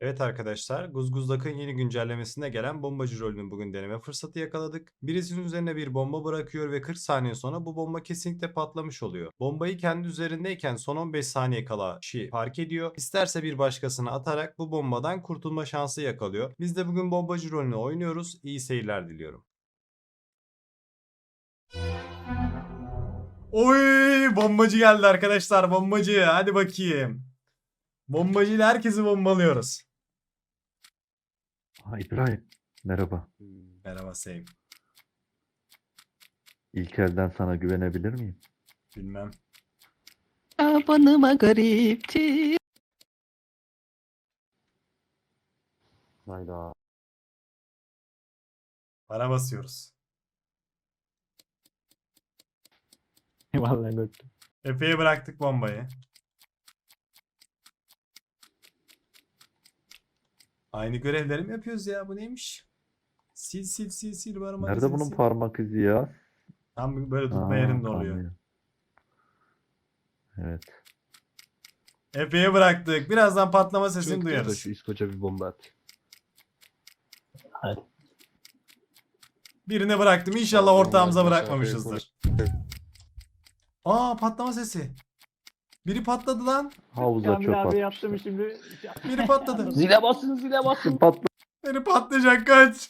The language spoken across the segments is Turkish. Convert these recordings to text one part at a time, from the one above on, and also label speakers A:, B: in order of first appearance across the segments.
A: Evet arkadaşlar, Guzguzdak'ın yeni güncellemesinde gelen bombacı rolünü bugün deneme fırsatı yakaladık. Birisinin üzerine bir bomba bırakıyor ve 40 saniye sonra bu bomba kesinlikle patlamış oluyor. Bombayı kendi üzerindeyken son 15 saniye kala kişi fark ediyor. İsterse bir başkasına atarak bu bombadan kurtulma şansı yakalıyor. Biz de bugün bombacı rolünü oynuyoruz. İyi seyirler diliyorum. Oy, bombacı geldi arkadaşlar, bombacı. Hadi bakayım. Bombacı ile herkesi bombalıyoruz.
B: İbrahim, merhaba.
A: Merhaba Seyim.
B: İlk elden sana güvenebilir miyim?
A: Bilmem.
C: Abanıma garipti.
B: Hayda.
A: Para basıyoruz.
D: Vallahi gördüm.
A: Efe'ye bıraktık bombayı. Aynı görevleri mi yapıyoruz ya? Bu neymiş? Sil sil sil sil var
B: Nerede bunun parmak izi ya?
A: Tam böyle tutma yerinde oluyor.
B: Kamyon. Evet.
A: Efe'ye bıraktık. Birazdan patlama sesini
E: Çok
A: duyarız.
E: Şu İskoç'a bir bomba at.
A: Birine bıraktım. İnşallah
E: Tamam,
A: ortağımıza
E: mesafeyi
A: bırakmamışızdır. Aa, patlama sesi. Biri patladı lan.
B: Havuza
D: Kamil
B: çöp
D: abi
B: atmışlar.
D: yaptım şimdi.
A: Biri patladı.
D: Zile basın zile basın.
B: Patla.
A: Biri patlayacak, kaç.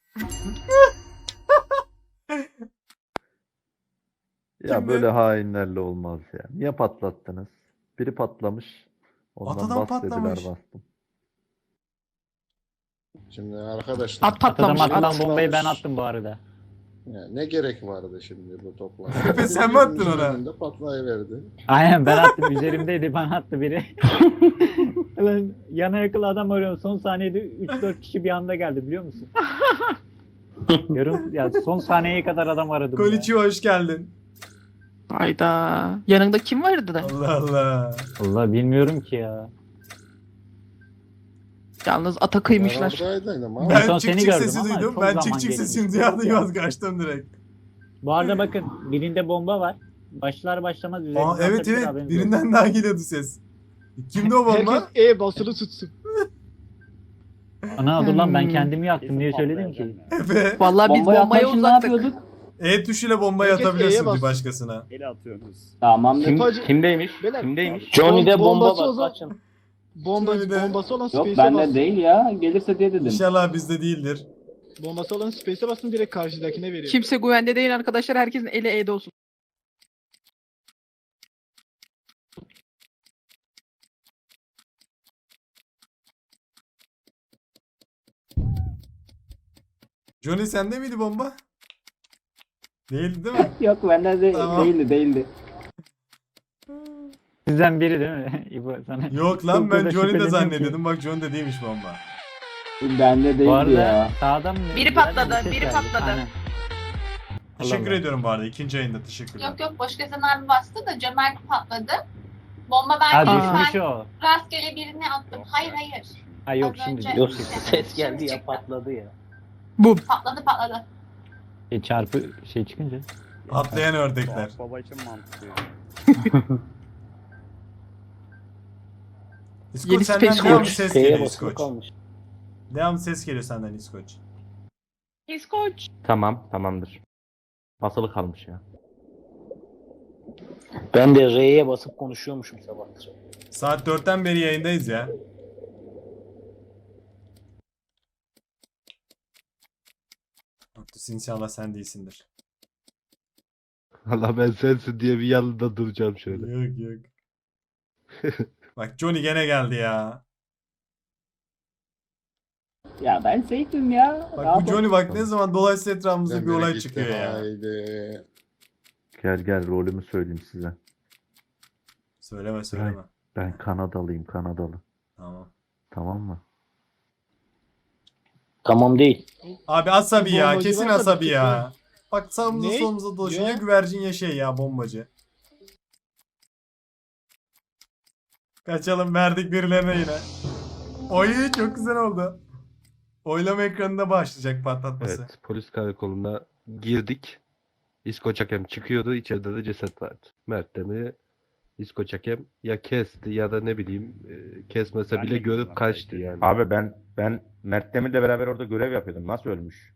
B: Ya
A: Kimdi?
B: böyle hainlerle olmaz ya. Niye patlattınız? Biri patlamış. Ondan
A: Atadan
B: bas dediler,
A: patlamış.
B: bastım.
E: Şimdi arkadaşlar
C: At patlamış.
D: Atılan
C: At.
D: bombayı ben attım bu arada.
E: ya ne gerek vardı şimdi bu toplantıya?
A: Efe, sen mi attın ona?
E: Önünde patlayıverdi.
D: Aynen ben attım. Üzerimdeydi bana attı biri. Ben yana yakın adam arıyorum. Son saniyede 3-4 kişi bir anda geldi biliyor musun? Yarım ya son saniyeye kadar adam aradım
A: Koliçi, hoş geldin.
C: Hayda. Yanında kim vardı da?
A: Allah Allah.
D: ya. Allah bilmiyorum ki ya.
C: Yalnız ata kıymışlar.
E: Ben oradaydım ama.
A: Ben
D: son
A: çık
D: seni
A: çık
D: gördüm
A: sesi
D: ama
A: duydum.
D: çok
A: Ben
D: zaman
A: çık çık
D: geçmiş.
A: sesini duyar duymaz kaçtım direkt.
D: Bu arada bakın birinde bomba var. Başlar başlamaz üzerinde
A: Aa, evet
D: atabilir,
A: evet,
D: haberiniz olsun.
A: birinden daha geliyordu ses. Kimdi o bomba?
F: Herkes basılı tutsun.
D: Ana dur lan ben kendimi yaktım diye söyledim ki.
A: Efe.
C: Vallahi biz bombaya uzaktık.
A: E tuşuyla bombayı
F: Herkes
A: atabiliyorsun
F: E'ye
A: bir
F: bas.
A: başkasına.
G: Ele atıyorsunuz.
H: Tamam.
F: Kim-
H: Kimdeymiş?
F: Beyler,
H: Kimdeymiş?
F: Johnny'de bomba
H: bomba
F: var,
H: var.
F: açın. Bombası olan
H: Yok
F: Space'e
H: bende
F: basın.
H: değil ya. Gelirse diye dedim.
A: İnşallah bizde değildir.
F: Bombası olan Space'e basın, direkt karşıdakine veriyor.
C: Kimse güvende değil arkadaşlar. Herkesin eli E'de olsun.
A: Johnny, sende miydi bomba? Değildi değil mi?
H: Yok bende
A: Tamam.
H: değildi.
D: Sizden biri değil mi? İbo sana.
A: Yok lan,
D: Çok
A: ben
D: da
A: Johnny de
D: şüpheleniyorum
A: zannediyordum. Bak, Johnny de değilmiş bomba.
H: Bende
D: Bu
H: değildi
D: arada
H: ya.
D: sağdan mı?
I: Biri patladı,
D: Bir ses
I: biri
D: geldi.
I: patladı.
D: Aynen.
A: Teşekkür
D: Allah.
A: ediyorum bu arada. İkinci ayında teşekkürler.
I: Yok yok, başkasının abi bastı da cömert patladı. Bomba
D: Ha
I: ben
D: düşmüş o.
I: rastgele birine attım. Hayır hayır.
D: Ha yok
I: Az
D: şimdi.
I: önce-
D: Yok.
I: ses geldi ya,
D: patladı ya.
I: Patladı.
D: Çarpı şey çıkınca.
A: Atlayan ördekler.
G: Baba için mantıklı.
A: İskoç,
C: Yeni
A: senden
C: Space
A: devamlı
C: Coach.
A: ses geliyor İskoç. Devamlı ses geliyor senden İskoç.
I: İskoç.
H: Tamamdır. Basılı kalmış ya.
G: Ben de R'ye basıp konuşuyormuşum sabahtır.
A: Saat 4'ten beri yayındayız ya. Haklısın, inşallah sen değilsindir.
E: Valla ben sensin diye bir yanında duracağım şöyle.
A: Yok. Bak, Johnny gene geldi ya.
H: Ya ben seyfim ya.
A: Bak bu Johnny, bak ne zaman dolayısıyla etrafımızda
E: Sen
A: bir olay
E: nereye gittin?
A: çıkıyor ya.
E: Haydi.
B: Gel rolümü söyleyeyim size.
A: Söyleme.
B: Ben Kanadalıyım, Kanadalı.
A: Tamam.
B: Tamam mı?
G: Tamam değil.
A: Abi asabi ya,
F: Bombacı
A: kesin
F: varsa
A: asabi
F: bir
A: ya. Bak, sağımıza
F: Ne?
A: solumuza dolaşıyor. Ya
F: Ya.
A: güvercin ya şey ya, bombacı. Kaçalım, verdik birilerine yine. Oy, çok güzel oldu. Oylama ekranında başlayacak patlatması.
E: Evet, polis karakoluna girdik. İskoç hakem çıkıyordu. İçeride de ceset vardı. Mert de mi? İskoç hakem ya kesti ya da ne bileyim kesmese bile görüp kaçtı yani.
H: Abi ben Mert Demir'le beraber orada görev yapıyordum. Nasıl ölmüş?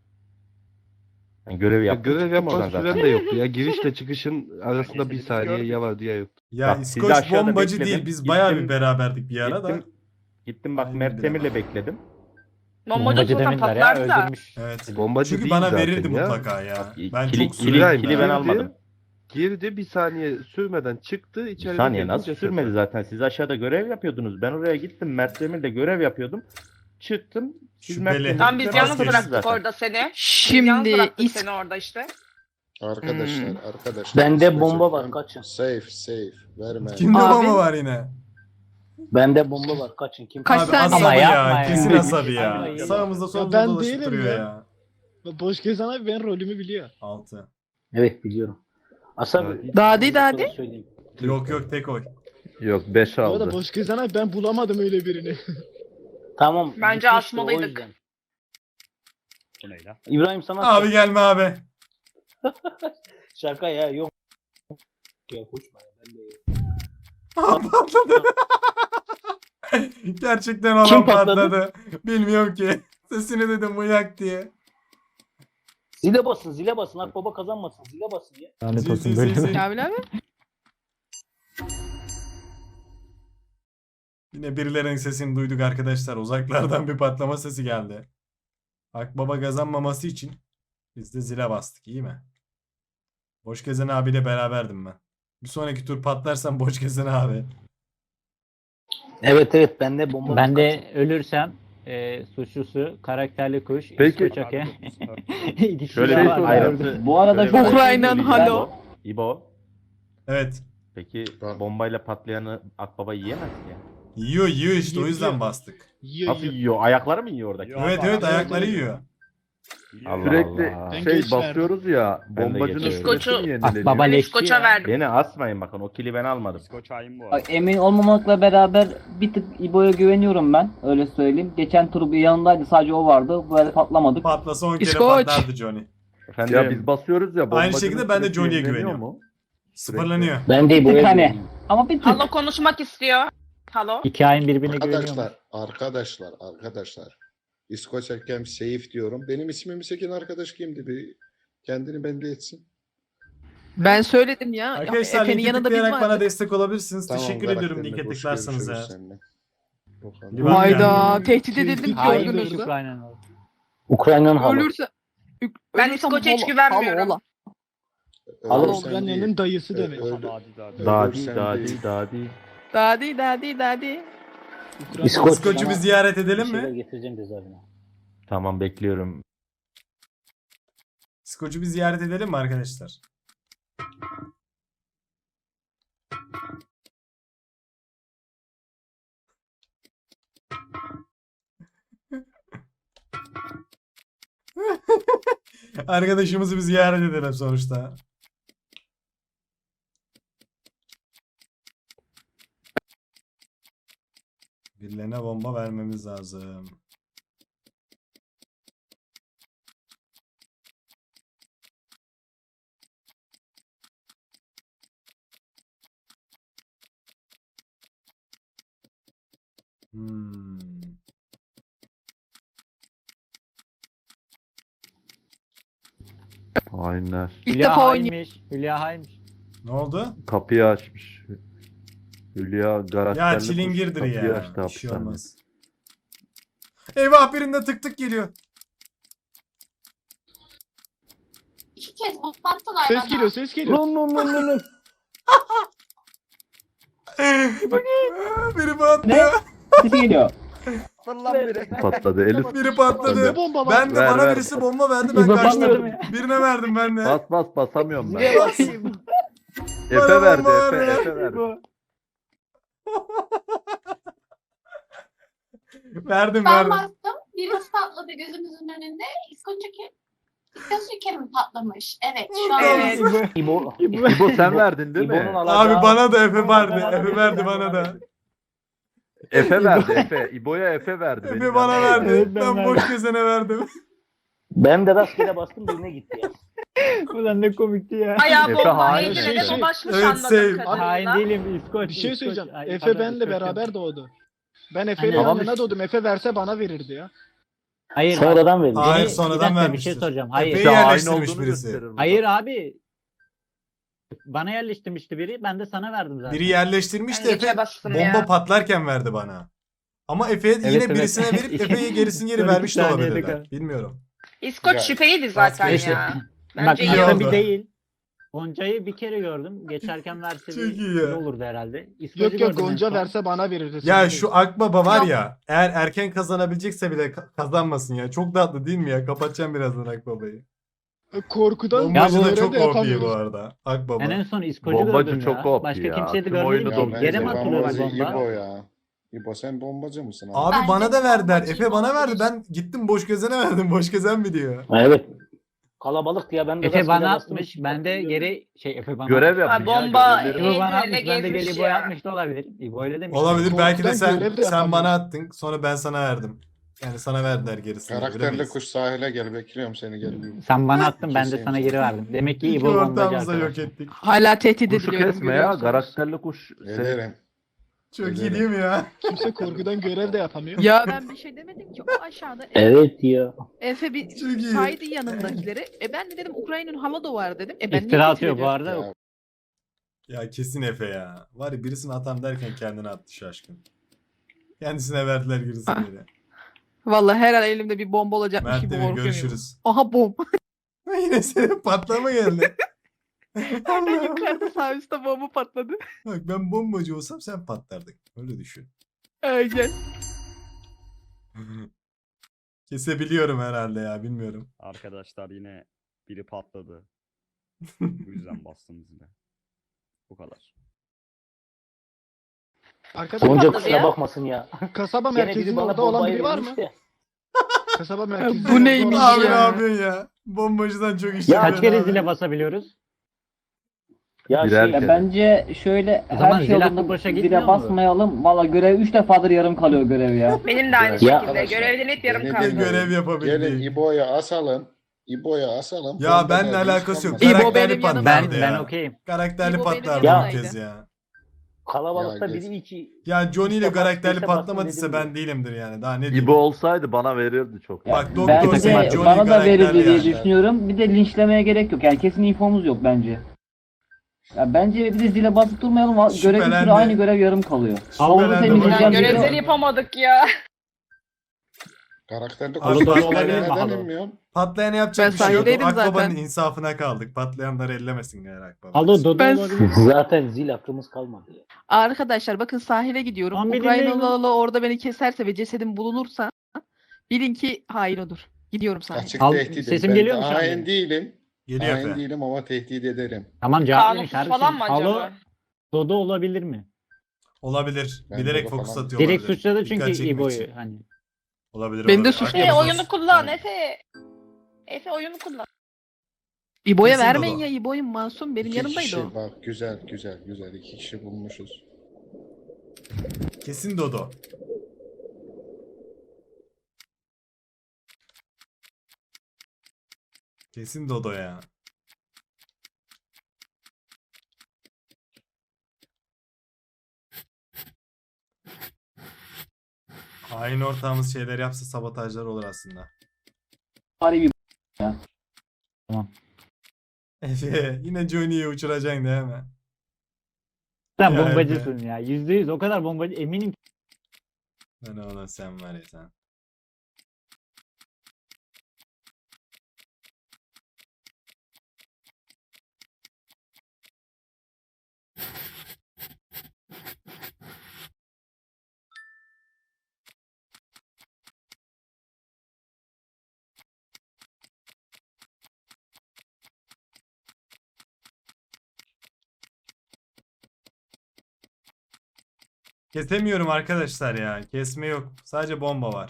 H: Ben görevi
E: Ya
H: yaptım.
E: görev
H: çıktım oradan
E: yapma
H: zaten.
E: süren de yoktu ya. Girişle çıkışın arasında bir saniye ya var ya yok.
A: Ya
H: Bak, sizi
A: İskoç
H: aşağıda
A: bombacı
H: bekledim.
A: değil. Biz bayağı bir
H: Gittim-
A: beraberdik bir ara da.
H: Gittim bak
A: Aynen
H: Mert
A: öyle.
H: Demir'le bekledim.
C: Bombacı zaten
D: demirler ya
C: patlardı da.
D: öldürmüş.
A: Evet.
E: Bombacı
A: Çünkü
E: değil
A: bana
E: zaten
A: verirdi
E: ya.
A: mutlaka ya.
H: Bak,
A: Ben
H: kili-
A: çok
H: kili-
A: sürüyorum
H: kili
A: ya.
H: ben almadım.
E: Girdi bir saniye sürmeden çıktı
H: Bir
E: içeride
H: saniye nasıl
E: gelince
H: sürmedi
E: sefer.
H: zaten. Siz aşağıda görev yapıyordunuz. Ben oraya gittim. Mert Demir'le görev yapıyordum. Çıktım. Siz
A: Şüpheli.
H: Mert Demir'le
C: Tam biz
H: beraber
C: yalnız
A: Vazgeçtim
C: bıraktık
H: zaten.
C: orada seni. Yalnız
J: Şimdi
C: bıraktık seni orada işte.
K: Arkadaşlar,
C: Hmm.
K: arkadaşlar.
G: Bende
K: İskoç
G: bomba
K: hakem.
G: var, kaçın.
K: Safe. Verme.
A: Kimde
J: Abi-
A: bomba var yine?
G: Bende bomba var kaçın. Kim
J: Kaç
A: Abi
J: saniye?
A: asabi
D: Ama
A: ya.
D: yapma ya.
A: Kesin asabi ya.
D: Aynen.
A: Sağımızda solumuzda
F: ben
A: dolaşıp
F: değilim
A: duruyor
F: ya.
A: ya.
F: Boş gezen abi ben rolümü biliyor.
A: 6.
G: Evet biliyorum. Asabi.
J: Dadi dadi.
G: Söyleyeyim.
A: Yok tek oy.
B: Yok 5
F: Bu arada
B: aldı.
F: boş gezen abi ben bulamadım öyle birini.
G: Tamam.
C: Bence
G: gitmişti,
C: asmalıydık.
G: o yüzden. İbrahim sana
A: Abi gelme abi.
G: şaka ya yok. Ya koşma ya, ben de.
A: Patladı. Gerçekten olan
G: Kim patladı?
A: patladı. Bilmiyorum ki. Sesini dedim uyak diye.
G: Zile basın. Akbaba kazanmasın. Zile basın ya.
D: Lanet
A: Zil,
D: olsun
A: zil,
D: böyle.
A: zil, zil.
J: Abi abi.
A: Yine birilerinin sesini duyduk arkadaşlar. Uzaklardan bir patlama sesi geldi. Akbaba kazanmaması için biz de zile bastık. İyi mi? Boş Gezen abiyle beraberdim ben. Bir sonraki tur patlarsam Boş Gezen abi.
G: Evet bende bomba var.
D: Ben de ölürsem suçlusu karakterli kuş.
B: Peki.
D: İskoç hakem. İkisi
H: Şöyle
D: de
B: şey
H: bir
D: var.
B: soracağım.
H: ayrıntı.
G: Bu arada
H: şöyle bir ayrıntı
J: Ukrayna'nın
H: söyleyeceğim.
J: halo.
H: İbo.
A: Evet.
H: Peki
K: Tamam.
H: bombayla patlayanı Akbaba yiyemez ki ya.
A: Yiyor işte o yüzden
F: Yiyor.
A: bastık.
F: Yiyor
H: Nasıl
F: yiyor.
H: yiyor? Ayakları mı yiyor oradaki?
A: Evet ayakları yiyor.
H: Allah
B: Sürekli
H: Allah.
F: Ben
B: şey
F: geç verdim.
B: basıyoruz ya.
H: Ben de
B: Bombacının
H: geç
B: süresi
C: verdim.
B: mi yenileniyor?
D: Baba
C: Ben
D: leşçi
C: İskoç'a
D: ya.
C: verdim.
H: Beni asmayın bakın o kili ben almadım. Emin olmamakla beraber bir tık İbo'ya güveniyorum ben. Öyle söyleyeyim. Geçen tur bir yanındaydı sadece o vardı. Böyle patlamadık.
A: Patlasa 10 kere
J: İskoç.
A: patlardı Johnny.
H: Efendim,
B: Ya biz basıyoruz ya. bombacının
A: şekilde ben de
B: süresi
A: Johnny'ye
B: yenileniyor
A: güveniyorum.
B: mu?
A: Sıfırlanıyor.
G: Ben de
H: bir tık
G: İbo'ya
H: hani.
G: güveniyorum.
H: Ama bir tık.
C: Halo konuşmak istiyor. Halo.
D: Hikayenin birbirine güveniyormuş.
K: Arkadaşlar. İskoç hakem safe diyorum. Benim ismimi çeken arkadaş kimdi? Bir kendini belli etsin.
J: Ben söyledim ya.
A: Arkadaşlar
J: Efe'nin
A: linki
J: yanında biz
A: tıklayarak bana
J: vardık.
A: destek olabilirsiniz.
K: Tamam,
A: Teşekkür
K: Berat
A: ediyorum
K: Demir,
A: linke
K: hoş
A: tıklarsanız
K: görüşürüz
A: ya.
K: seninle. Bakalım.
A: Livan
J: Hayda
A: geldi.
J: tehdit edildim
F: Hayır,
J: gördünüz mü?
D: Ukrayna'nın.
G: Ukrayna'nın halı.
J: Ölürse.
C: Ben
J: ölürsem
C: İskoç'a hiç
J: halo-
C: güvenmiyorum.
J: halo,
G: Halo,
K: Ölürsen değil.
F: Ukrayna'nın dayısı demek.
H: Dadi
K: Ölürsen
H: dadi
K: değil.
H: dadi.
J: Dadi.
G: İskoç.
A: İskoç'u bir ziyaret edelim
G: Bir şeyler
A: mi?
G: getireceğim cezaevine.
H: Tamam bekliyorum.
A: İskoç'u bir ziyaret edelim mi arkadaşlar? Arkadaşımızı bir ziyaret edelim sonuçta. Birilerine bomba vermemiz lazım. Hmm.
B: Hainler.
J: İlk
D: Hülya
J: defa oynuyor.
D: hainmiş. Hülya hainmiş.
A: Ne oldu?
B: Kapıyı açmış. Hülya karakterli
A: Ya
B: kuş
A: çilingirdir
B: kapıyı
A: ya.
B: açtı
A: Bir şey
B: hapishanede.
A: olmaz. Eyvah birinde tık tık geliyor.
I: 2 kez patlattılar
F: Ses
I: bana.
F: geliyor ses geliyor.
A: Biri patlıyor.
H: Sesi geliyor.
B: Patladı Elif.
A: Biri patladı.
F: Ne bomba var?
A: Ben de
B: Ver,
A: bana
B: ver.
A: birisi bomba verdi ben kaçtım. Birine verdim ben de.
B: Basamıyorum ben.
A: Bas.
B: Efe
A: Bana
B: verdi
A: bomba ver ya.
B: Efe verdi.
A: Verdim
I: Ben
A: verdim.
I: bastım. Birisi patladı gözümüzün önünde. İskoç'a mi patlamış? Evet şu an.
C: Evet.
G: İbo.
B: İbo sen verdin değil
G: İbo'nun
B: mi?
G: alacağı-
A: Abi bana da Efe verdi.
G: Bana
A: Efe
G: da-
A: verdi bana da.
B: Efe verdi Efe. İbo'ya Efe verdi.
A: Efe
B: benim
A: bana
B: yanımda.
A: verdi.
D: Evet, ben
A: Ben
D: verdim.
A: boş gezene verdim.
G: Ben de rastgele bastım birine gitti ya.
D: Ulan ne komikti ya.
J: Ayağı
B: Efe
J: bomba
B: hain.
J: eğilene
F: Şey,
J: dolaşmış
A: evet,
J: anladığım
D: Hain
J: kadarıyla.
D: değilim İskoç.
F: Bir şey
D: İskoç.
F: söyleyeceğim.
D: Ay,
F: Efe
D: pardon,
F: benle
D: İskoç
F: beraber
D: yok.
F: doğdu. Ben Efe'nin
J: Hani-
B: Tamam
F: yanına
B: işte.
F: doğdum. Efe verse bana verirdi ya.
D: Hayır.
G: Sonradan verildi.
A: Hayır,
D: Bir
A: sonradan
D: dakika, bir
A: vermiştir.
D: şey soracağım. Hayır.
A: Efe'yi
B: İşte hain
A: yerleştirmiş
B: olduğunu
A: birisi.
B: gösterir bu
D: Hayır
B: da.
D: abi. Bana yerleştirmişti biri. Ben de sana verdim zaten.
A: Biri yerleştirmiş de
J: Ben
A: Efe
J: geçe bastım
A: bomba
J: ya.
A: patlarken verdi bana. Ama Efe yine
D: Evet, evet.
A: birisine verip Efe'ye gerisini geri
D: 12
A: vermiş de
D: saniyede
A: olabilirler.
D: kal.
A: Bilmiyorum.
J: İskoç
K: Ya,
J: şüpheydi zaten
A: rastgele.
J: ya.
D: Bak
J: Bence
A: iyi
J: iyi
D: aslında
A: oldu.
D: bir değil. Gonca'yı bir kere gördüm. Geçerken verse
A: Çok
D: bir
A: iyi ya.
D: iyi olurdu herhalde. İskoç'u
F: Yok yok
D: gördüm en
F: Gonca
D: son.
F: verse bana verirdi.
A: Ya
F: sana
A: şu
F: değil.
A: Akbaba var
J: Yok.
A: ya, eğer erken kazanabilecekse bile kazanmasın ya. Çok tatlı değil mi ya? Kapatacağım birazdan Akbaba'yı.
F: Korkudan
A: Bombacı da
F: görev
A: çok
F: de
A: OP bu
F: yapamıyoruz.
A: arada. Akbaba.
D: Ben en son İskoç'u
B: Bombacı
D: gördüm
B: çok
D: ya.
B: OP
D: Başka
B: ya.
D: kimseyi de
B: Tüm oyunu
D: görmedim ki.
B: domine
D: Yere mi
B: ediyor.
D: atılıyor
K: bombacı
D: bomba?
K: İbo ya. İbo sen bombacı mısın abi?
A: Abi
I: Bence
A: bana da verdiler.
I: bombacı
A: Efe bana verdi.
I: olabilir.
A: Ben gittim boş gezene verdim. Boş gezen mi diyor?
G: Evet. Kalabalık ya ben de
D: Efe
G: rastgele
D: bana
G: bastım.
D: atmış. Ben de geri Efe bana
B: Görev
D: atmış.
B: yapın
J: Ha,
B: ya.
J: bomba
B: görevleri.
D: İbo bana
J: eğilene
D: atmış. Ben de
J: gezmiş
D: geri İbo'ya
J: ya.
D: atmış da olabilir. İbo öyle demiş.
A: Olabilir. Belki de
F: Korkudan
A: sen
F: görev de
A: sen bana
F: yapamıyoruz.
A: attın. Sonra ben sana verdim. Yani sana verdiler gerisini.
K: Karakterli
A: Bilemeyiz.
K: kuş sahile gel bekliyorum seni gel.
D: Sen bana attın ben de
K: Keseyim
D: sana
K: seni.
D: geri verdim. Demek ki
A: İki
D: İbo bombacı
A: ortağımızı da yok
D: arkadaşlar.
A: ettik.
J: Hala tehdit
B: Kuşu
J: ediliyorum.
B: kesme ya.
J: görüyorsunuz.
B: Karakterli kuş.
K: Ederim.
A: Çok iyi
K: Ederim.
A: değil mi ya?
F: Kimse korkudan görev de yapamıyor.
J: Ya ben bir şey demedim ki. O aşağıda
G: Evet ya.
J: Efe bir
A: Çok iyi.
J: saydı yanındakileri. Ben de dedim Ukrayna'nın Halado var dedim. Ben niye
D: İftira
J: tehdit
D: atıyor bu
J: ediyorum?
D: arada.
K: Ya,
A: Ya kesin Efe ya. Var ya birisini atam derken kendine attı şaşkın. Kendisine verdiler gerisini
J: Ah.
A: geri.
J: Vallahi her an elimde bir bomba olacakmış
A: Mert
J: gibi
A: Demir
J: korkuyorum.
A: görüşürüz.
J: Aha bom.
A: Yine senin patlama geldi.
J: Hemen yukarıda sağ üstte bomba patladı.
A: Bak ben bombacı olsam sen patlardın. Öyle düşün.
J: Aynen.
A: Kesebiliyorum herhalde ya bilmiyorum.
L: Arkadaşlar yine biri patladı. Bu yüzden bastım zile. Bu kadar.
F: Arkadaşlar
G: Gonca
J: patladı
G: kusura
J: ya?
G: bakmasın ya.
F: kasaba
G: Gene biri
F: merkezinde
G: bana
F: orada olan
G: bombayı
F: biri var mı?
G: vermiş de.
F: Kasaba merkezinde
J: Bu
F: orada
J: neymiş
F: olan
A: Abi
F: biri
A: ne
F: var mı?
A: yapıyorsun ya? Bombacıdan çok iş
G: Ya
D: Kaç
A: yapıyorsun
D: kere
A: abi.
D: zile basabiliyoruz?
G: Ya
B: Birer
G: şey,
B: kere.
H: Ya bence şöyle
D: O zaman
H: her şey
D: zil hakkı
H: yolunda
D: boşa gitmiyor
H: zile
D: mu?
H: basmayalım. Valla görev 3 defadır yarım kalıyor görev ya.
J: Benim de aynı
K: Ya
J: şekilde.
K: arkadaşlar,
J: Görevden hep yarım
K: beni
J: kaldı.
K: dinleyin.
A: Görev
K: Gelin
A: yapabildik.
K: İbo'ya asalım. İbo'ya asalım.
A: Ya
K: Bomba
A: benimle
K: nerede
A: alakası yok.
K: hiç
J: İbo
A: Karakterli
J: benim yanımda.
A: patlardı
D: Ben
A: ya.
D: okeyim.
A: Karakterli
J: İbo benim
A: patlardı bu
J: yanımdaydı.
A: kez ya.
G: kalabalıkta
K: Ya
G: biri iki.
A: Ya Johnny ile
G: İşte bak,
A: karakterli
G: işte bak,
A: patlamadıysa
G: dedim
A: ben
G: ya.
A: değilimdir yani. Daha ne diyeyim.
B: İbo olsaydı bana verirdi çok.
H: Ya
A: Bak, Doktor
H: bence
A: Sen, Johnny
H: bana da
A: karakterli
H: verirdi diye
A: yani.
H: düşünüyorum. Bir de linçlemeye gerek yok. Yani kesin infomuz yok bence. Ya bence bir de zile basıp durmayalım. Görev bir
A: Şüphelendi.
H: sürü aynı görev yarım kalıyor. Havuzu
A: Şüphelendi.
H: temizleyeceğim
A: Ya,
H: diye-
J: Görevleri yapamadık ya.
K: Karakterli
A: Abi,
K: kuş
A: bak,
K: sahile
D: olabilir mi
K: neden
D: halo?
K: inmiyorsun?
A: Patlayana yapacak
J: Ben
A: bir şey yok.
J: sahildeydim
A: Akbaba'nın
J: zaten.
A: insafına kaldık. Patlayanları ellemesin yani Akbaba.
D: Alo Dodo
J: Ben-
D: olabilir.
G: Zaten zil hakkımız kalmadı ya.
J: Arkadaşlar bakın sahile gidiyorum.
D: Lan bir dinleyin
J: Ukraynalı orada beni keserse ve cesedim bulunursa bilin ki hain odur. Gidiyorum sahile.
K: Açık
D: Al,
K: tehdidim.
D: sesim
K: Ben
D: geliyor mu şu an
K: hain
D: benim?
K: değilim.
A: Geliyor
K: Hain
A: Efe.
K: değilim ama tehdit ederim.
D: Tamam cevap verin
J: Kanunsuz
D: kardeşim.
J: falan mı acaba?
D: Alo Dodo olabilir mi?
A: Olabilir.
K: Ben
A: Bilerek
K: Dodo
A: fokus
K: falan-
A: atıyor
D: Direkt
A: olabilir.
D: suçladı
A: Dikkat
D: çünkü
A: çekmek
D: İbo'yu.
A: için.
D: Hani.
A: Olabilir
J: Beni de
A: olabilir.
J: suçluyor.
A: Akbaba
J: Oyunu
A: sus.
J: kullan
A: Tamam.
J: Efe. Efe oyunu kullan. İbo'ya
A: Kesin
J: vermeyin
A: Dodo.
J: ya. İbo'yum masum. Benim
K: İki
J: yanımdaydı
K: kişi
J: o.
K: bak güzel güzel güzel. 2 kişi bulmuşuz.
A: Kesin Dodo. Kesin Dodo ya. Hain ortağımız şeyler yapsa sabotajlar olur aslında.
H: Bari bir
A: Efe yine Johnny'yi uçuracaksın değil mi?
D: Sen
A: Ya
D: bombacısın ya. %100 o kadar bombacı eminim.
A: Ben oğlum sen var ya sen. Kesemiyorum arkadaşlar ya. Kesme yok. Sadece bomba var.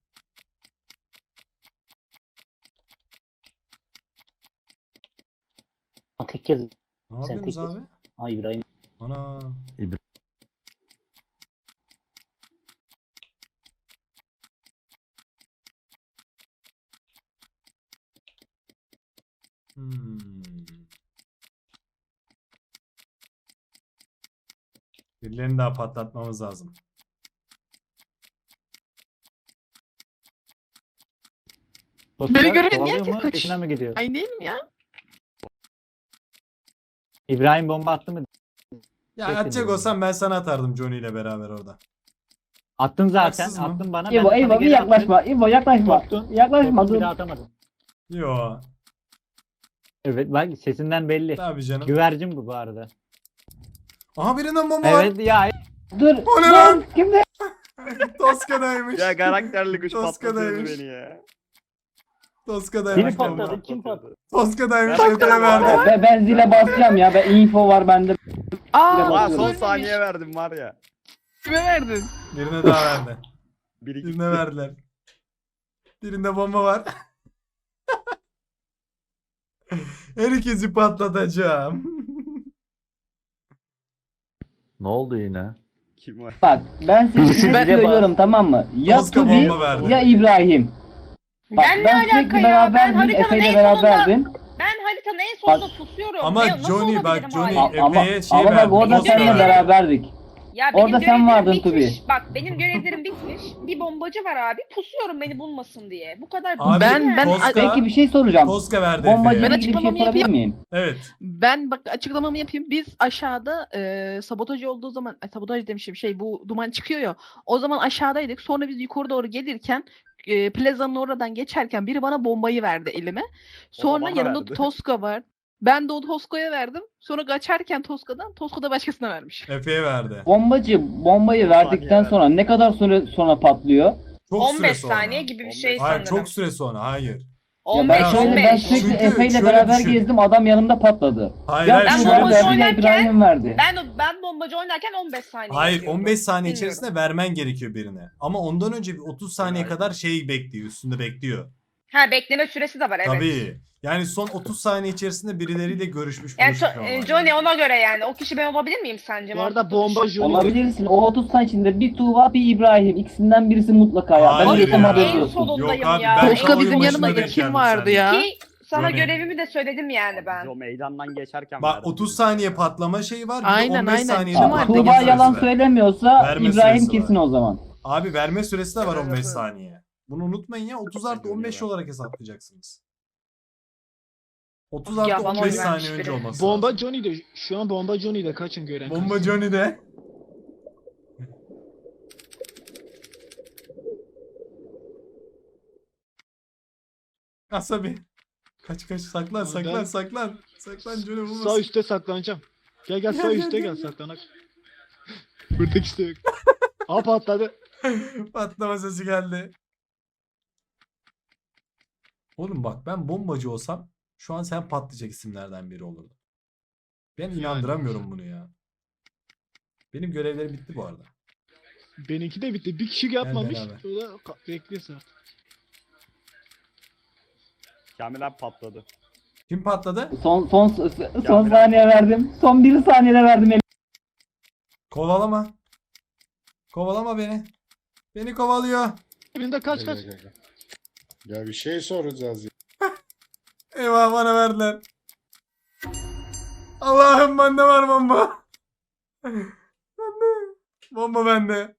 G: Tek kez.
A: Ne
G: Sen
A: yapıyorsunuz
G: tek
A: abi?
G: Ay İbrahim.
A: Ana. Hmm. Birilerini daha patlatmamız lazım.
D: Sosyal
J: gören
D: kovalıyor
J: niye
D: mu?
J: herkes kaçıyor?
D: Peşinden mi gidiyor?
J: Ay değil mi ya?
D: İbrahim bomba attı mı?
A: Ya
D: Kesin
A: atacak
D: diyorum.
A: olsam ben sana atardım Johnny ile beraber orada.
D: Attın zaten.
A: Haksız mı?
D: Attın bana.
H: İbo,
D: ben de sana
H: İbo bir
D: geri
H: yaklaşma.
D: attım.
H: İbo yaklaşma.
D: Korktun.
H: Yaklaşma
D: Korktun,
H: dur.
D: bir daha atamadım.
A: Yo.
D: Evet bak sesinden belli.
A: Tabii canım.
D: Güvercin bu arada.
A: Aha birinin bomba var.
D: Evet ya.
H: Dur.
A: O ne
H: dur.
A: lan?
H: Kimde?
A: Toska'daymış.
L: Ya karakterli kuş
A: Toska'daymış.
L: patlatıyordu beni ya.
A: Toska'daymış.
D: Biri patladı. Kim patladı?
A: Toska'daymış.
L: Ben-
A: Efe'ye verdi.
H: Ben zile basacağım ya. Ben info var bende.
J: Aa,
L: Lan son
J: ölmemiş.
L: saniye verdim var ya.
J: Kime verdin?
A: Birine daha verdi.
L: Biri gitti.
A: Birine verdiler. Birinde bomba var. Herkesi patlatacağım.
B: Ne oldu yine?
L: Kim var?
H: Bak ben size
J: Ben-
H: söylüyorum tamam mı? Ya
A: Toska
H: Tubi
A: bomba verdi.
H: ya İbrahim. Bak,
I: Ben ne
H: ben
I: alaka
H: sürekli
I: ya? Ben
H: beraberdim.
I: haritanın
H: Efe ile
I: en
H: beraberdim.
I: Ben haritanın en
H: sonunda
I: pusuyorum.
A: Ama Johnny bak Johnny Efe'ye şey
H: Ama bak
A: verdi.
H: orada
A: Toska
H: seninle
A: verdi.
H: beraberdik.
I: Ya
H: Orada sen vardın
I: bitmiş.
H: Tubi.
I: Bak benim görevlerim bitmiş. Bir bombacı var abi. Pusuyorum beni bulmasın diye. Bu kadar
A: Abi,
J: Ben-
A: Toska,
H: Peki bir şey soracağım.
A: Toska verdi
H: Bombacıyla
A: Efe'ye.
J: Ben
H: ilgili bir şey
J: açıklamamı
H: sorabilir miyim?
A: Evet.
J: Ben bak açıklamamı yapayım. Biz aşağıda sabotaj olduğu zaman sabotaj demişim bu duman çıkıyor ya. O zaman aşağıdaydık. Sonra biz yukarı doğru gelirken plazanın oradan geçerken biri bana bombayı verdi elime. Sonra
L: bana
J: yanımda
L: verdi.
J: Toska var. Ben de o Toska'ya verdim. Sonra kaçarken Toska da başkasına vermiş.
A: Efe'ye verdi.
H: Bombayı verdikten
L: saniye
H: sonra ne kadar süre sonra patlıyor?
A: Çok süre
I: 15
A: sonra.
I: saniye gibi bir şey
A: Hayır
I: sanırım.
A: çok süre sonra. Hayır.
H: Ya ben
I: 15
H: şöyle ben
I: 15.
H: sürekli
A: Çünkü
H: Efe ile
A: şöyle
H: beraber
A: düşün.
H: gezdim adam yanımda patladı.
A: Hayır
H: Ya
A: hayır
I: ben
H: şunu
A: şöyle
I: bombacı
H: verdi
A: düşün.
H: ya
I: oynarken-
H: İbrahim verdi.
I: Ben bombacı oynarken 15 saniye
A: Hayır
I: yapıyordum.
A: 15 saniye
I: Bilmiyorum.
A: içerisinde vermen gerekiyor birine. Ama ondan önce bir 30 saniye
L: Hayır.
A: kadar şey bekliyor. Üstünde bekliyor.
I: Ha bekleme süresi de var evet.
A: Tabii. Yani son 30 saniye içerisinde birileriyle görüşmüş
I: Yani
A: buluşmuş olmalı.
I: Johnny ona göre yani. O kişi ben olabilir miyim sence?
F: Bu arada bomba Johnny.
H: Olabilirsin. O 30 saniye içinde bir Tuğba bir İbrahim. İkisinden birisi mutlaka ya. Ben
A: Hayır
H: de tam
A: ya.
H: haberin
I: En
H: olsun.
I: solundayım
A: Yok abi,
I: ya.
A: ben
J: Toska
A: oyun
J: bizim
A: başında
J: yanımızda
A: denk geldim
J: kim vardı
A: seninle.
J: ya?
I: Ki sana
A: Johnny.
I: görevimi de söyledim yani ben.
L: O meydandan geçerken
A: Bak
L: verdim.
A: 30 saniye patlama şeyi var. Bir de
J: Aynen,
A: 15
J: aynen.
A: saniyede
J: Kim
H: Aa,
J: vardı?
A: patlama
H: Tuğba
A: süresi
H: yalan
A: var.
H: söylemiyorsa
A: Verme
H: İbrahim
A: süresi
H: kesin
A: var.
H: o zaman.
A: Abi verme süresi de var 15
L: Evet.
A: saniye. Bunu unutmayın ya 30 artı 15 olarak hesaplayacaksınız. 30
I: Ya
A: artı
I: bana
A: 15
I: oy
A: saniye
I: vermiş
A: önce
I: biri.
A: olması
F: Bomba
A: lazım.
F: Johnny'de. Şu an bomba Johnny'de kaçın gören.
A: Bomba Johnny'de. Asabi. Kaç saklan saklan
F: Ben-
A: saklan. Saklan Johnny
F: Sağ
A: bulmasın.
F: üstte saklanacağım. Gel sağ
A: Gel,
F: üstte
A: gel,
F: gel saklanak. Buradaki işte yok. Aa patladı.
A: Patlama sesi geldi. Oğlum bak ben bombacı olsam şu an sen patlayacak isimlerden biri olurdu. Ben inandıramıyorum bunu ya. Benim görevlerim bitti bu arada.
F: Benimki de bitti. Bir kişi yapmamış.
A: beraber.
F: O da bekliyorsa.
L: Kamil abi patladı.
A: Kim patladı?
H: Son saniye verdim. Son 1 saniyede verdim.
A: Kovalama. Kovalama beni. Beni kovalıyor.
F: Birinde kaç.
K: Gel. Ya bir şey soracağız ya.
A: Eyvah bana verdiler. Allah'ım bende var bomba. Bende. Bomba bende.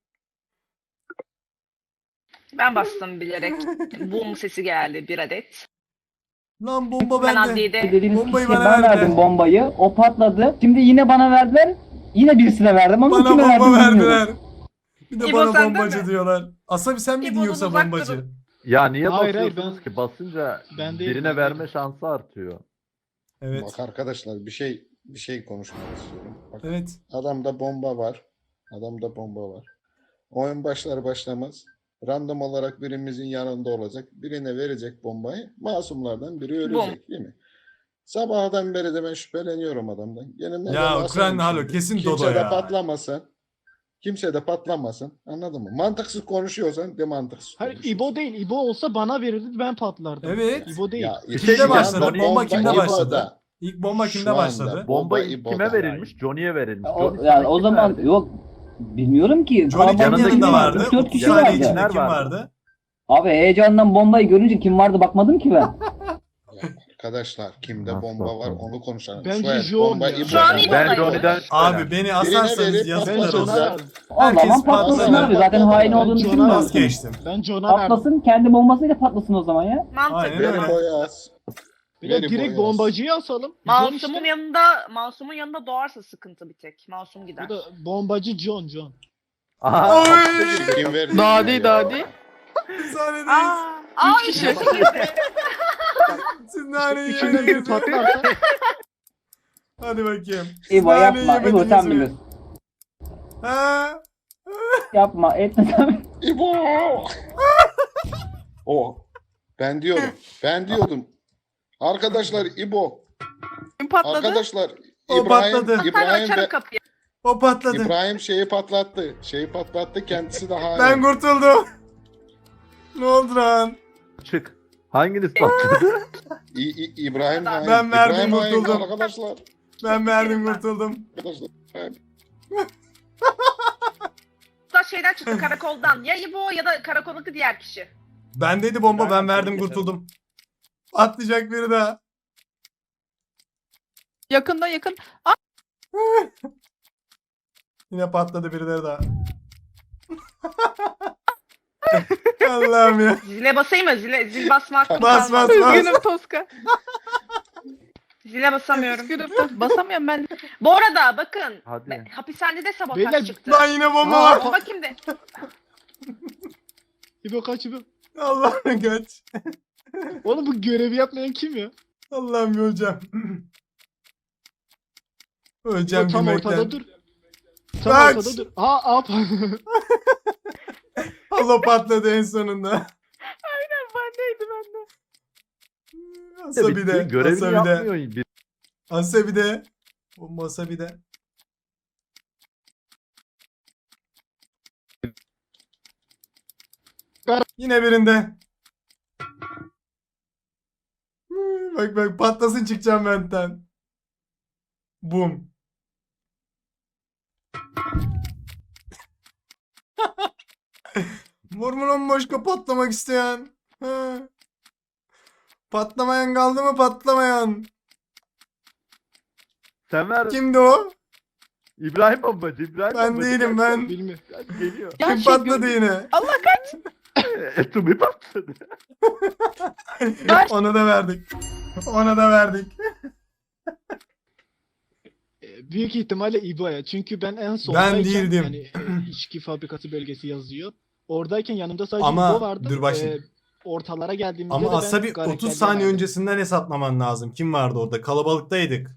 I: Ben bastım bilerek. Boom sesi geldi bir adet.
A: Lan bomba
I: Ben
A: bende.
I: adliyede
H: Dediğiniz
A: Bombayı
H: kişiye
A: bana
H: ben
A: verdiler.
H: verdim bombayı. O patladı. Şimdi yine bana verdiler. Yine birisine verdim ama
A: Bana
H: kime
A: bomba
H: verdim bilmiyorum.
A: verdiler. Bir de
I: İbo
A: bana
I: sende
A: bombacı
I: mi?
A: diyorlar. Asabi sen miydin
I: İbo'dan
A: yoksa
I: uzak
A: bombacı?
I: durun.
B: Ya niye
F: Hayır,
B: basıyorsunuz
F: ben-
B: ki? Basınca
F: Ben değilim,
B: birine
F: ben
B: verme
F: değilim.
B: şansı artıyor.
A: Evet.
K: Bak arkadaşlar bir şey konuşmak istiyorum. Bak,
A: Evet.
K: adamda bomba var. Adamda bomba var. Oyun başlar başlamaz random olarak birimizin yanında olacak. Birine verecek bombayı. Masumlardan biri ölecek değil mi? Sabahdan beri de ben şüpheleniyorum adamdan. Yanımda
A: Ya
K: da
A: Ukrayna halo
K: şimdi.
A: kesin
K: Kimse
A: Dodo
K: de
A: ya.
K: patlamasın. Kimse de patlamasın. Anladın mı? Mantıksız konuşuyorsan de mantıksız
F: Hayır
K: konuş.
F: İbo değil. İbo olsa bana verirdi ben patlardım.
A: Evet.
F: İbo değil.
K: Ya,
A: Kimde
K: şu
A: başladı?
K: anda
A: Bomba kimde
K: İbo'da.
A: başladı? İlk bomba
K: Şu
A: kimde
K: anda
A: başladı?
B: Bomba
K: İbo'da.
B: kime verilmiş? Johnny'ye verilmiş.
H: O,
B: Johnny
H: yani
B: sana
H: o
B: kim
H: zaman
B: verdi?
H: yok. Bilmiyorum ki.
A: Johnny kimin
H: Kalabalık
A: yanında
H: değil,
A: vardı?
H: 3-4
A: 30
H: kişi
A: saniye
H: vardı.
A: içinde
B: Kimler
A: kim
B: vardı?
A: vardı?
H: Abi heyecandan bombayı görünce kim vardı bakmadım ki ben.
K: Arkadaşlar kimde
B: Nasıl
K: bomba var
B: atladı?
K: onu konuşalım.
F: Bence
K: Suat,
F: John
K: bomba
F: ya.
K: İbo'da.
I: Şu an
K: var.
I: İbo'da
B: Ben
I: yok.
B: Johnny'den
A: Abi beni asarsanız
K: verip
A: yazıklar
F: Ben
K: patlatacağız.
A: olsun.
F: John'a verdim.
H: O zaman
A: Herkes
H: patlasın
A: patladı.
H: abi. Zaten hain
F: Ben
H: olduğunu
F: John'a
H: düşünmüyorum.
A: Vazgeçtim.
F: Ben John'a verdim.
H: Patlasın, kendi bombasıyla patlasın o zaman ya.
I: Mantıklı.
A: Aynen
K: Veri
A: öyle.
K: boyaz.
F: Bir de
K: Veri
F: direkt
K: boyaz.
F: bombacıyı asalım. John
I: Masumun
F: işte.
I: Masumun yanında doğarsa sıkıntı bir tek. Masum gider.
F: Bu da bombacı John.
B: Aha.
A: Oy!
K: Kim verdi?
J: Dadi
K: ya?
J: dadi.
A: Bir saniye
I: Aa,
J: Üç kişi.
I: üçüncü girdi.
A: Siz naneyi
F: İçinden bir
A: yediniz mi?
F: patlarsa.
A: Hadi bakayım. Siz
H: İbo
A: naneyi
H: yapma. İbo
A: yemediniz
H: sen
A: mi?
H: bilirsin.
A: Ha?
H: Yapma. Etme sen.
K: İbo! O. Ben diyordum. Arkadaşlar İbo.
J: Kim patladı?
K: Arkadaşlar
A: O patladı.
I: Ben
K: İbrahim
I: açarım
K: ve
I: kapıyı.
A: O patladı.
K: İbrahim şeyi patlattı. Kendisi de hain.
A: Ben kurtuldum. Ne oldu lan?
B: Çık. Hanginiz patladı?
K: İbrahim hain.
A: Ben verdim,
K: İbrahim hain
A: kurtuldum.
K: arkadaşlar.
A: Ben verdim kurtuldum.
K: Arkadaşlar.
I: Da şeyden çıktı karakoldan. Ya İbo ya da karakoldaki diğer kişi.
A: Bendeydi bomba, ben verdim
L: geçelim.
A: kurtuldum. Atlayacak biri daha.
J: Yakında yakın.
A: Yine patladı birileri daha. Allah'ım ya.
I: Zile basayım mı? Zil basma hakkım
A: Bas,
I: kalmadı.
A: bas, bas.
J: Üzgünüm Toska.
I: Zile basamıyorum.
J: Üzgünüm. Basamıyorum ben.
I: Bu arada bakın.
B: Hadi.
I: Hapishanede sabotaj
F: Beyler,
I: çıktı.
A: Lan yine bomba
F: Aa,
A: var.
I: Bakayım de.
F: İbo kaç İbo.
A: Allah'ım kaç.
F: Oğlum bu görevi yapmayan kim ya?
A: Allah'ım öleceğim.
F: İbo
A: Öleceğim
F: tam
A: gülmekten.
F: ortada dur. Tam
A: Kaç.
F: ortada dur. Aa
A: Allah patladı en sonunda.
J: Bendeydi bende.
A: Asabi de.
B: Görevini
A: Asabi de.
B: yapmıyor. Bir
A: Asabi de. Bomba Asabi de. Yine birinde. Bak bak patlasın çıkacağım benden. Bum. Var mı lan başka patlamak isteyen? Ha. Patlamayan kaldı mı patlamayan?
B: Sen ver.
A: Kimdi o?
B: İbrahim bombacı. İbrahim
A: Ben
B: bombacı.
A: değilim ben.
F: bilmiyorum.
B: Geliyor.
J: Ya
A: Kim
J: şey
A: patladı yine?
J: Allah kaç.
B: Etumi patladı.
A: Ona da verdik. Ona da verdik.
F: Büyük ihtimalle İbo'ya. Çünkü ben en son
A: değildim.
F: Yani içki fabrikası bölgesi yazıyor. Oradayken yanımda sadece
A: Ama
F: İbo vardı.
A: dur bak şimdi.
F: Ortalara geldiğimizde
A: Ama
F: de ben
A: Asabi 30
F: karakterleri
A: saniye
F: verdim.
A: öncesinden hesaplaman lazım. Kim vardı orada? Kalabalıktaydık.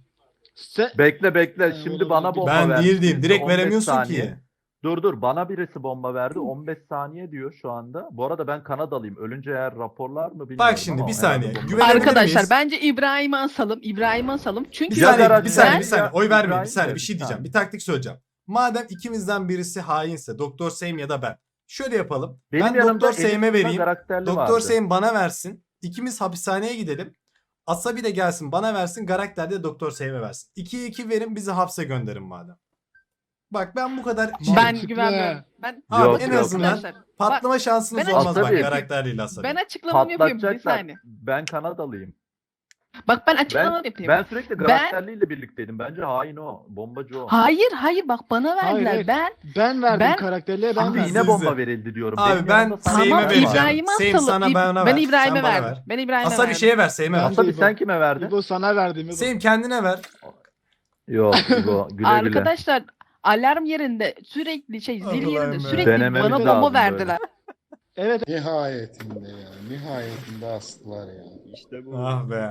B: Bekle.
F: Ee,
B: Şimdi
F: onu
B: bana
F: ben
B: bomba
A: Ben
B: verdi.
A: değildim.
B: Şimdi
A: Direkt
B: 15
A: veremiyorsun
B: saniye.
A: ki.
B: Dur. Bana birisi bomba verdi. 15 saniye diyor şu anda. Bu arada ben Kanadalıyım. Ölünce eğer raporlar mı bilmiyorum
A: Bak şimdi
B: ama
A: bir
B: herhalde
A: saniye.
B: bomba-
A: Güvenebilir
J: Arkadaşlar
A: miyiz?
J: bence İbrahim'i asalım. İbrahim'i asalım. Çünkü
A: Bir
B: Ya
A: saniye,
B: Berat,
A: bir saniye,
B: ben-
A: bir saniye. Oy vermeyin. Bir
B: İbrahim
A: saniye,
B: de
A: bir şey
B: bir
A: diyeceğim.
B: saniye.
A: Bir taktik söyleyeceğim. Madem ikimizden birisi hainse, Doktor Seyim ya da ben. Şöyle yapalım.
B: Benim
A: Ben
B: yanımda
A: Doktor Seyim'e
B: Elif
A: vereyim.
B: karakterli
A: Doktor
B: vardı.
A: Seyim bana versin. İkimiz hapishaneye gidelim. Asabi de gelsin bana versin. Karakter de Doktor Seyim'e versin. 2'ye 2 verin, bizi hapse gönderin madem. Bak ben bu kadar...
J: ben
F: Mantıklı.
J: güvenmiyorum. Ben
A: Abi
B: Yok,
A: en
B: yok.
A: azından
J: Arkadaşlar,
A: patlama şansınız
J: ben
A: olmaz bak
B: Asabi-
A: karakterliyle Asabi.
J: ben açıklamamı yapayım bir
B: Patlatacaklar.
J: saniye.
B: Ben Kanadalıyım.
J: Bak ben açıklamamı yapayım.
B: Ben sürekli karakterliyle birlikteydim. Bence hain o. Bombacı o.
J: Hayır bak bana verdiler.
F: hayır.
J: Ben
F: Ben verdim
J: Ben-
F: karakterliğe ben
B: Şimdi
F: verdim.
B: yine
A: Siz
B: bomba
A: de.
B: verildi diyorum.
A: Abi
B: Benim
A: ben
B: yanımda sana
A: Seyim'e
J: tamam
A: vereceğim.
J: İbrahim'i
A: Seyim
J: asalım.
A: sana bana
J: Ben
A: ver.
J: İbrahim'e
A: Sen bana
J: verdim.
A: ver.
J: Ben İbrahim'e
A: Asabi
J: verdim.
A: şeye ver, Seyim'e ver.
F: Ben-
B: Asabi
F: İbo.
B: sen kime verdin?
F: İbo sana verdim. İbo.
A: Seyim kendine ver.
B: Yok İbo güle güle.
J: Arkadaşlar alarm yerinde sürekli zil
A: Allah'ım
J: yerinde
A: ya.
J: sürekli
B: Denememiz
J: bana
B: lazım
J: bomba
B: böyle.
J: verdiler.
F: Evet.
K: Nihayetinde ya. Nihayetinde astılar ya.
L: İşte bu.
A: Ah be.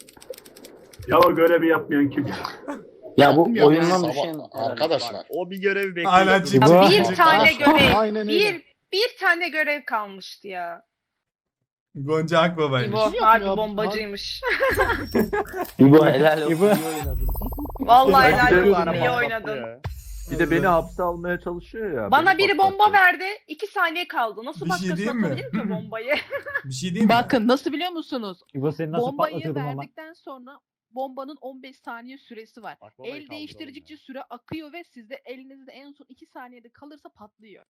G: Ya o görevi yapmayan kim?
K: Ya
G: bu oyundan
K: sabah-
G: düşen
K: arkadaşlar.
L: O bir görev bekliyor.
A: Hala çık.
F: Bu-
I: Bir tane görev.
F: Aynen öyle.
I: Bir tane görev kalmıştı ya.
A: Gonca Akbaba'ymış.
I: İbo
F: Kim
I: harbi
F: yapıyor?
I: bombacıymış.
G: İbo helal olsun.
F: İbo.
G: iyi oynadın.
I: Vallahi
B: Ya,
I: helal
B: bir de-
I: olsun iyi
L: Patlattı
I: oynadın.
L: ya.
B: Bir de beni hapse almaya çalışıyor ya.
I: Bana
B: beni
I: biri bomba
B: patlatacak.
I: verdi. 2 saniye kaldı. Nasıl
A: Bir şey
I: başkası
A: diyeyim mi?
I: atabilir ki bombayı?
A: Bir şey diyeyim mi?
J: Bakın nasıl biliyor musunuz?
D: İbo seni nasıl
J: Bombayı
D: patlatıyordum ama.
J: verdikten sonra bombanın 15 saniye süresi var.
L: Bak babayı
J: El
L: kaldıralım
J: değiştirdikçe
L: ya.
J: süre akıyor ve sizde elinizde en son 2 saniyede kalırsa patlıyor.